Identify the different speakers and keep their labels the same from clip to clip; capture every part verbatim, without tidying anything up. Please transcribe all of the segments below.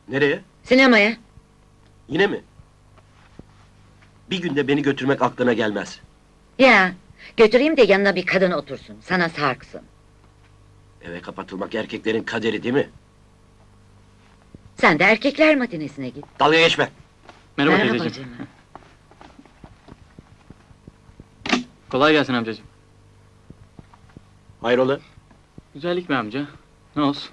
Speaker 1: Nereye?
Speaker 2: Sinemaya.
Speaker 1: Yine mi? Bir günde beni götürmek aklına gelmez.
Speaker 2: Ya, götüreyim de yanına bir kadın otursun, sana sarksın.
Speaker 1: Eve kapatılmak erkeklerin kaderi değil mi?
Speaker 2: Sen de erkekler matinesine git.
Speaker 1: Dalga geçme!
Speaker 3: Merhaba,
Speaker 2: Merhaba
Speaker 3: teyzeciğim.
Speaker 2: canım.
Speaker 3: Kolay gelsin amcacığım.
Speaker 1: Hayrola?
Speaker 3: Güzellik mi amca? Ne olsun?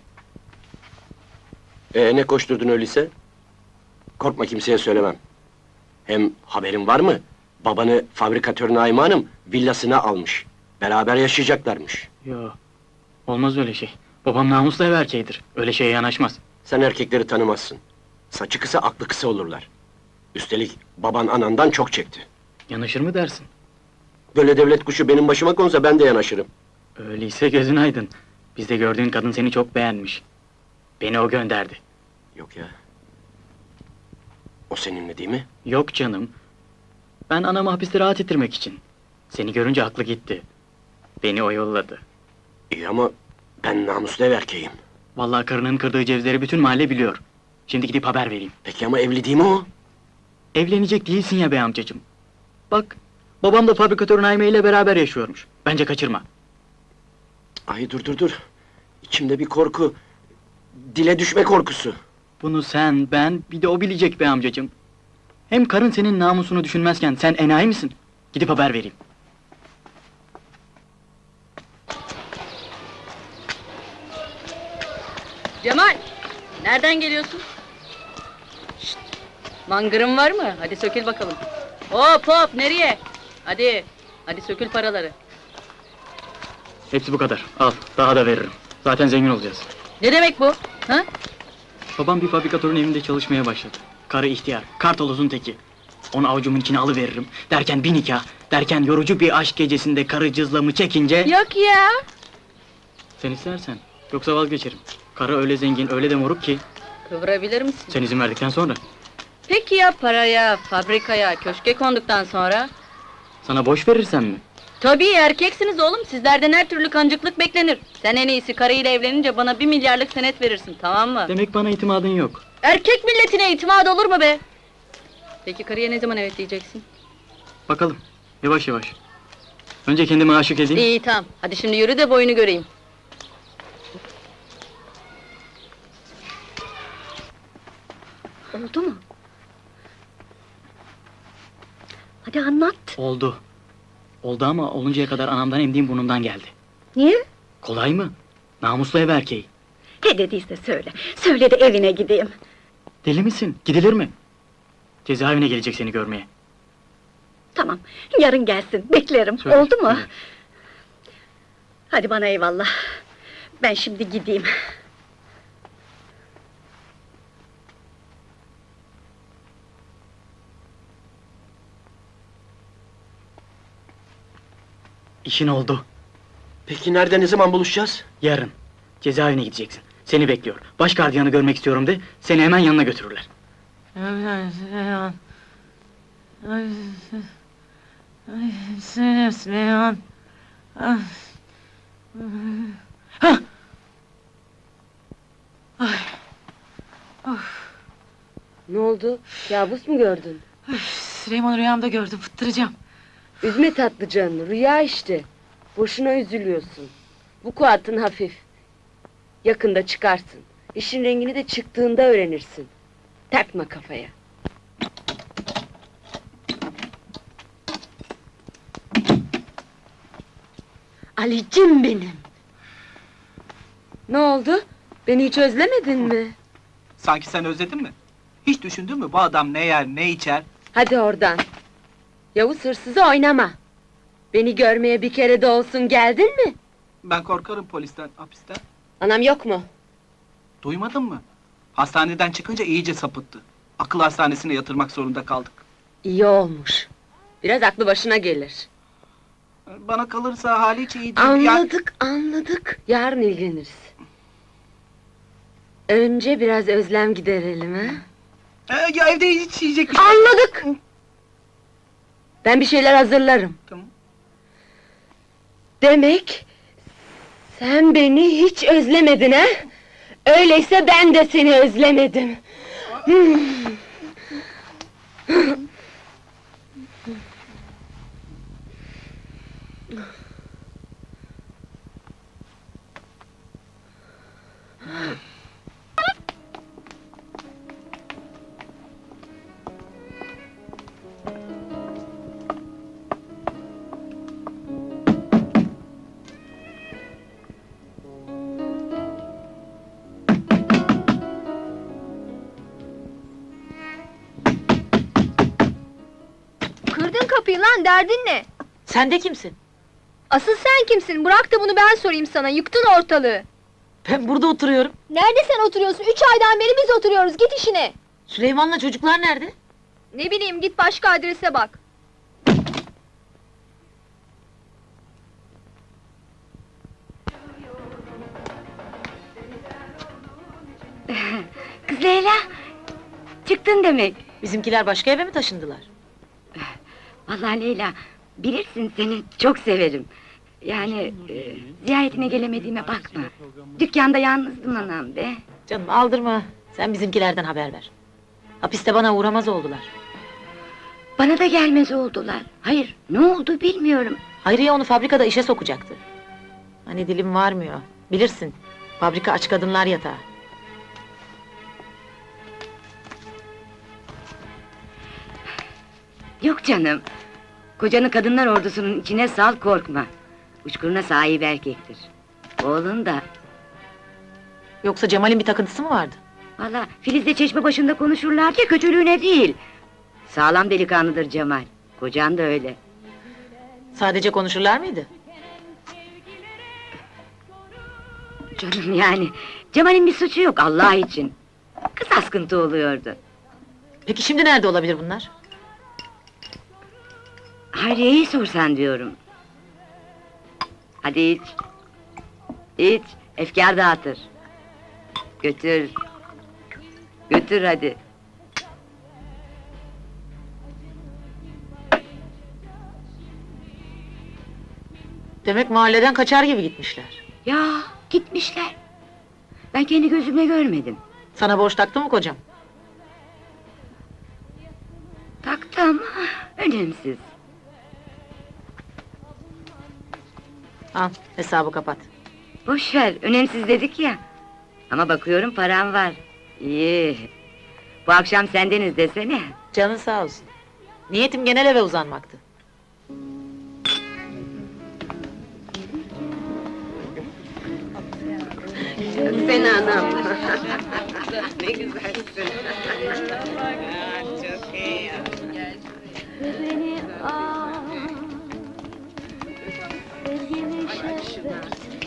Speaker 1: Ee, ne koşturdun öyleyse? Korkma, kimseye söylemem. Hem haberin var mı? Babanı fabrikatör Naime Hanım villasına almış. Beraber yaşayacaklarmış.
Speaker 3: Yo, olmaz öyle şey. Babam namuslu ev erkeğidir. Öyle şeye yanaşmaz.
Speaker 1: Sen erkekleri tanımazsın. Saçı kısa, aklı kısa olurlar. Üstelik baban anandan çok çekti.
Speaker 3: Yanaşır mı dersin?
Speaker 1: Böyle devlet kuşu benim başıma konsa ben de yanaşırım.
Speaker 3: Öyleyse gözün aydın. Bizde gördüğün kadın seni çok beğenmiş. Beni o gönderdi.
Speaker 1: Yok ya. O seninle değil mi?
Speaker 3: Yok canım. Ben anamı hapiste rahat ettirmek için. Seni görünce aklı gitti. Beni o yolladı.
Speaker 1: İyi ama ben namuslu ev erkeğim.
Speaker 3: Vallahi karının kırdığı cevizleri bütün mahalle biliyor. Şimdi gidip haber vereyim.
Speaker 1: Peki ama evli değil mi o?
Speaker 3: Evlenecek değilsin ya be amcacığım. Bak, babam da fabrikatör Naime ile beraber yaşıyormuş. Bence kaçırma.
Speaker 1: Ay dur dur dur. İçimde bir korku. Dile düşme korkusu.
Speaker 3: Bunu sen, ben, bir de o bilecek be amcacığım. Hem karın senin namusunu düşünmezken sen enayi misin? Gidip haber vereyim.
Speaker 4: Cemal! Nereden geliyorsun? Şşt! Mangırın var mı? Hadi sökül bakalım. Hop hop, nereye? Hadi, hadi sökül paraları.
Speaker 3: Hepsi bu kadar. Al, daha da veririm. Zaten zengin olacağız.
Speaker 4: Ne demek bu? Ha?
Speaker 3: Babam bir fabrikatörün evinde çalışmaya başladı. Karı ihtiyar, kartolozun teki. Onu avucumun içine alıveririm. Derken bir nikah, derken yorucu bir aşk gecesinde karı cızlamı çekince...
Speaker 4: Yok ya!
Speaker 3: Sen istersen, yoksa vazgeçerim. Karı öyle zengin, öyle de moruk ki...
Speaker 4: Kıvırabilir misin?
Speaker 3: Sen izin verdikten sonra.
Speaker 4: Peki ya paraya, fabrikaya, köşke konduktan sonra?
Speaker 3: Sana boş verirsem mi?
Speaker 4: Tabii erkeksiniz oğlum, sizlerden her türlü kancıklık beklenir. Sen en iyisi karıyla evlenince bana bir milyarlık senet verirsin, tamam mı?
Speaker 3: Demek bana itimadın yok.
Speaker 4: Erkek milletine itimat olur mu be? Peki karıya ne zaman evet diyeceksin?
Speaker 3: Bakalım, yavaş yavaş. Önce kendime aşık edeyim.
Speaker 4: İyi tamam, hadi şimdi yürü de boyunu göreyim.
Speaker 5: Oldu mu? Hadi anlat.
Speaker 3: Oldu. Oldu ama oluncaya kadar anamdan emdiğim burnumdan geldi.
Speaker 5: Niye?
Speaker 3: Kolay mı? Namuslu ev erkeği.
Speaker 5: He dediyse söyle. Söyle de evine gideyim.
Speaker 3: Deli misin? Gidilir mi? Cezaevine gelecek seni görmeye.
Speaker 5: Tamam, yarın gelsin. Beklerim.
Speaker 3: Söyle,
Speaker 5: Oldu mu?
Speaker 3: söyle.
Speaker 5: Hadi bana eyvallah. Ben şimdi gideyim.
Speaker 3: İşin oldu.
Speaker 1: Peki nerede, ne zaman buluşacağız?
Speaker 3: Yarın. Cezaevine gideceksin. Seni bekliyor. Baş gardiyanı görmek istiyorum de, seni hemen yanına götürürler.
Speaker 6: Süleyman. Ay, ay, Süleyman, Süleyman. Ah. Hah! Ay. Of.
Speaker 4: Ne oldu? Kabus mu gördün?
Speaker 6: Üf, Süleyman rüyamda gördüm, fıttıracağım.
Speaker 4: Üzme tatlı canını, rüya işte. Boşuna üzülüyorsun. Bu kuatın hafif. Yakında çıkarsın. İşin rengini de çıktığında öğrenirsin. Takma kafaya.
Speaker 5: Alicim benim.
Speaker 4: Ne oldu? Beni hiç özlemedin mi?
Speaker 7: Sanki sen özledin mi? Hiç düşündün mü bu adam ne yer, ne içer?
Speaker 4: Hadi oradan. Yavuz hırsızı oynama. Beni görmeye bir kere de olsun geldin mi?
Speaker 7: Ben korkarım polisten, hapisten.
Speaker 4: Anam yok mu?
Speaker 7: Duymadın mı? Hastaneden çıkınca iyice sapıttı. Akıl hastanesine yatırmak zorunda kaldık.
Speaker 4: İyi olmuş. Biraz aklı başına gelir.
Speaker 7: Bana kalırsa hali hiç iyi değil. Ya-
Speaker 4: Anladık, anladık. Yarın ilgileniriz. Önce biraz özlem giderelim ha?
Speaker 7: Ee, ya evde hiç yiyecek bir şey...
Speaker 4: Anladık! Ben bir şeyler hazırlarım.
Speaker 7: Tamam.
Speaker 4: Demek... sen beni hiç özlemedin ha? Öyleyse ben de seni özlemedim.
Speaker 8: Kırdın kapıyı lan, derdin ne?
Speaker 6: Sen de kimsin?
Speaker 8: Asıl sen kimsin? Bırak da bunu ben sorayım sana, yıktın ortalığı!
Speaker 6: Ben burada oturuyorum.
Speaker 8: Nerede sen oturuyorsun? Üç aydan beri biz oturuyoruz, git işine!
Speaker 6: Süleyman'la çocuklar nerede?
Speaker 8: Ne bileyim, git başka adrese bak!
Speaker 2: Kız Leyla, çıktın demek.
Speaker 6: Bizimkiler başka eve mi taşındılar?
Speaker 2: Vallahi Leyla, bilirsin seni çok severim. Yani e, ziyaretine gelemediğime bakma. Dükkanda yalnızdım anam be.
Speaker 6: Canım aldırma. Sen bizimkilerden haber ver. Hapiste bana uğramaz oldular.
Speaker 2: Bana da gelmez oldular. Hayır, ne oldu bilmiyorum.
Speaker 6: Hayriye onu fabrikada işe sokacaktı. Hani dilim varmıyor. Bilirsin. Fabrika aç kadınlar yatağı.
Speaker 2: Yok canım. Kocanı kadınlar ordusunun içine sal, korkma. Uçkuruna sahip erkektir. Oğlun da.
Speaker 6: Yoksa Cemal'in bir takıntısı mı vardı?
Speaker 2: Valla Filiz'le çeşme başında konuşurlarca kötülüğüne değil. Sağlam delikanlıdır Cemal. Kocan da öyle.
Speaker 6: Sadece konuşurlar mıydı?
Speaker 2: Canım yani, Cemal'in bir suçu yok Allah için. Kız askıntı oluyordu.
Speaker 6: Peki şimdi nerede olabilir bunlar?
Speaker 2: Hayriye'yi sorsan diyorum. Hadi iç. İç, efkar dağıtır. Götür. Götür hadi.
Speaker 6: Demek mahalleden kaçar gibi gitmişler.
Speaker 2: Ya, gitmişler. Ben kendi gözümle görmedim.
Speaker 6: Sana borç taktı mı kocam?
Speaker 2: Taktı ama önemsiz.
Speaker 6: Al, hesabı kapat.
Speaker 2: Boş ver, önemsiz dedik ya. Ama bakıyorum param var. İyi. Bu akşam sendeniz desene.
Speaker 6: Canın sağ olsun. Niyetim genel eve uzanmaktı.
Speaker 4: Sen anam. Ne güzelsin.
Speaker 5: Beni al, sevgili şehvet,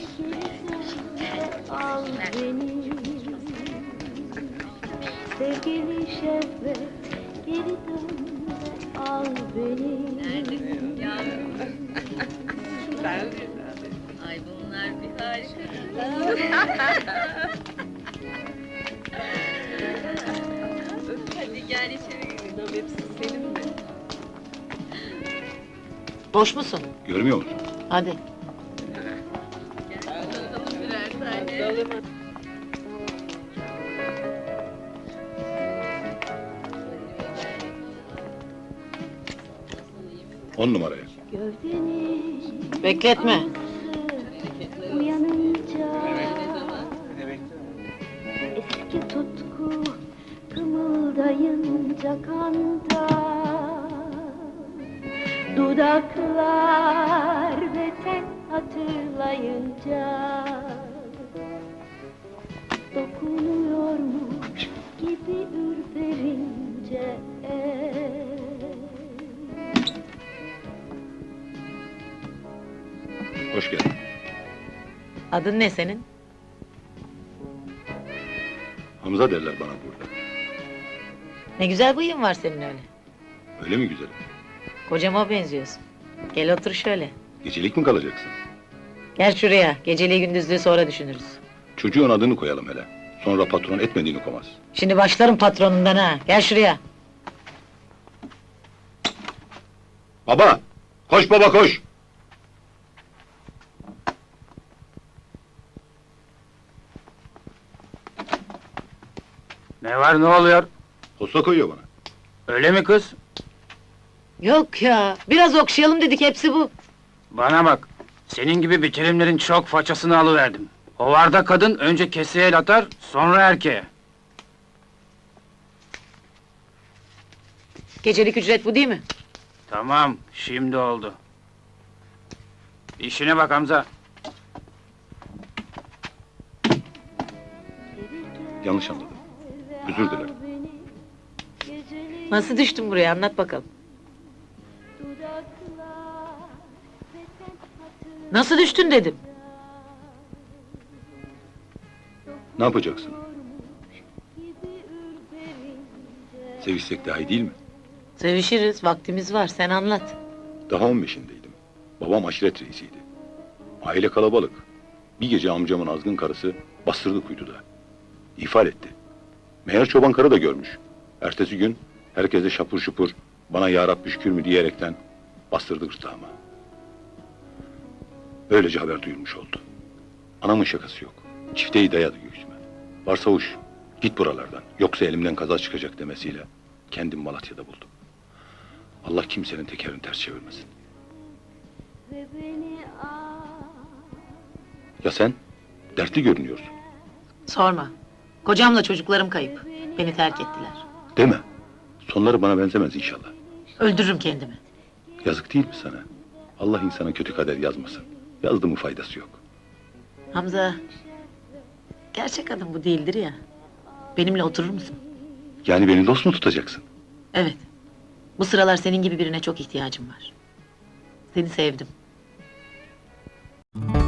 Speaker 5: al beni. Sevgili şehvet, geri dön ve al beni.
Speaker 2: Ay bunlar bir harika. Hadi gel içeri gidelim. Hepsi senin mi?
Speaker 6: Boş musun?
Speaker 9: Görmüyor musun?
Speaker 6: Hadi.
Speaker 9: On numaraya.
Speaker 5: Gövdeni
Speaker 6: Bekletme.
Speaker 5: uyanınca eski tutku kımıldayınca kanda dudaklar ve ten hatırlayınca dokunuyormuş gibi ürperince
Speaker 9: Hoş geldin.
Speaker 6: Adın ne senin?
Speaker 9: Hamza derler bana burada.
Speaker 6: Ne güzel bıyığın var senin öyle.
Speaker 9: Öyle mi güzelim?
Speaker 6: Kocama benziyorsun. Gel otur şöyle.
Speaker 9: Gecelik mi kalacaksın?
Speaker 6: Gel şuraya. Geceliği gündüzlüğü sonra düşünürüz.
Speaker 9: Çocuğun adını koyalım hele. Sonra patron etmediğini komaz.
Speaker 6: Şimdi başlarım patronundan ha. Gel şuraya.
Speaker 9: Baba! Koş baba koş!
Speaker 10: Ne var ne oluyor?
Speaker 9: Posta koyuyor bana.
Speaker 10: Öyle mi kız?
Speaker 6: Yok ya, biraz okşayalım dedik, hepsi bu.
Speaker 10: Bana bak. Senin gibi bitirimlerin çok façasını alıverdim. Hovarda kadın önce keseye el atar, sonra erkeğe.
Speaker 6: Gecelik ücret bu değil mi?
Speaker 10: Tamam, şimdi oldu. İşine bak Hamza.
Speaker 9: Yanlış anladım. Özür dilerim.
Speaker 6: Nasıl düştün buraya, anlat bakalım. Nasıl düştün dedim.
Speaker 9: Ne yapacaksın? Sevişsek daha iyi değil mi?
Speaker 6: Sevişiriz, vaktimiz var, sen anlat.
Speaker 9: Daha on beşindeydim. Babam aşiret reisiydi. Aile kalabalık. Bir gece amcamın azgın karısı bastırdı kuytuda. İfade etti. Meğer çoban karı da görmüş. Ertesi gün herkese şapur şupur bana ya Rabbi şükür mü diyerekten bastırdı gırtlağıma. Böylece haber duyulmuş oldu. Anamın şakası yok. Çifteyi dayadı göğsüme. Varsavuş, git buralardan. Yoksa elimden kaza çıkacak demesiyle kendim Malatya'da buldum. Allah kimsenin tekerini ters çevirmesin. Ya sen? Dertli görünüyorsun.
Speaker 6: Sorma. Kocamla çocuklarım kayıp. Beni terk ettiler.
Speaker 9: Deme. Sonları bana benzemez inşallah.
Speaker 6: Öldürürüm kendimi.
Speaker 9: Yazık değil mi sana? Allah insana kötü kader yazmasın. Yazdı mı faydası yok.
Speaker 6: Hamza, gerçek adım bu değildir ya. Benimle oturur musun?
Speaker 9: Yani beni dost mu tutacaksın?
Speaker 6: Evet. Bu sıralar senin gibi birine çok ihtiyacım var. Seni sevdim.